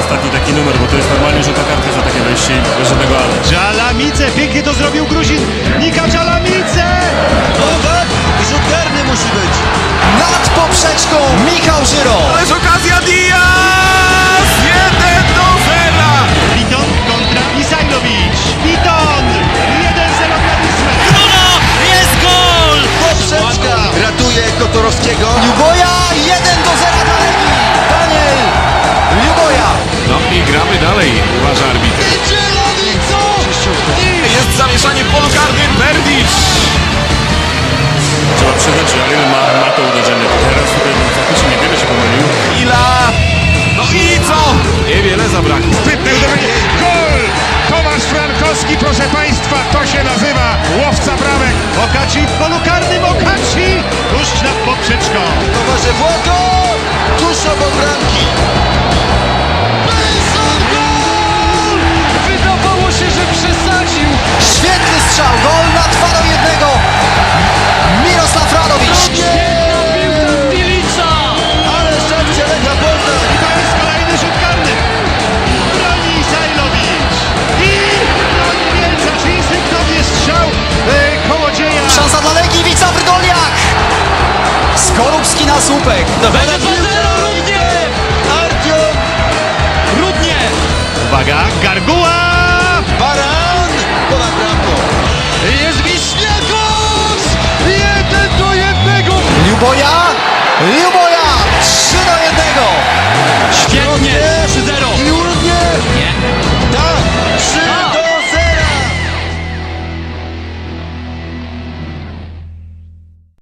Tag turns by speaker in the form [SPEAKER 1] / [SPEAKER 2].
[SPEAKER 1] ostatni taki numer, bo to jest normalnie żółta kartka za takie wejście i bez żadnego ale.
[SPEAKER 2] Dżalamice, pięknie to zrobił Gruzin. Nika Dżalamice!
[SPEAKER 3] No tak, i rzut karny musi być.
[SPEAKER 4] Nad poprzeczką Michał Żyro.
[SPEAKER 3] Ależ okazja Diaz! 1-0!
[SPEAKER 2] Witon kontra Misajlowicz. Witon! 1-0 dla Wisły.
[SPEAKER 4] Jest gol!
[SPEAKER 3] Poprzeczka ratuje Kotorowskiego.
[SPEAKER 4] Ljuboja 1-0 dla Legii. Daniel Ljuboja.
[SPEAKER 5] No i gramy dalej, uważa arbitr.
[SPEAKER 3] Zielonico!
[SPEAKER 5] Jest zamieszanie w polu karnym, Berdicz!
[SPEAKER 1] Trzeba przyznać, że Alin ma to uderzenie. Teraz tutaj faktycznie niewiele się pomylił.
[SPEAKER 5] Ila! No i co? Niewiele zabrakło.
[SPEAKER 2] Sprytne uderzenie. Gol! Tomasz Frankowski, proszę Państwa, to się nazywa łowca bramek. Okaci w polu karnym, Okaci tuż nad poprzeczką.
[SPEAKER 3] Towarze Włoko! Tuż obok bramki. Benson gol!
[SPEAKER 4] Wydawało się, że przesadził. Świetny strzał, gol na 2-1. Mirosław Radowicz.
[SPEAKER 3] Ale szczęście Legia Poznań!
[SPEAKER 2] I to jest kolejny rzut karny. Broni Isajlowicz. I broni Mielca, czy instynktownie strzał kołodzieja.
[SPEAKER 4] Szansa dla Legii, Wica Brdoliak. Skorupski na słupek.
[SPEAKER 3] Będzie 2-0 równie! Artiom
[SPEAKER 4] Równie.
[SPEAKER 2] Uwaga, Garguła.
[SPEAKER 3] Baran! Ponad bramką.
[SPEAKER 2] Jest Wiśniakos. 1-1.
[SPEAKER 4] Ljuboja.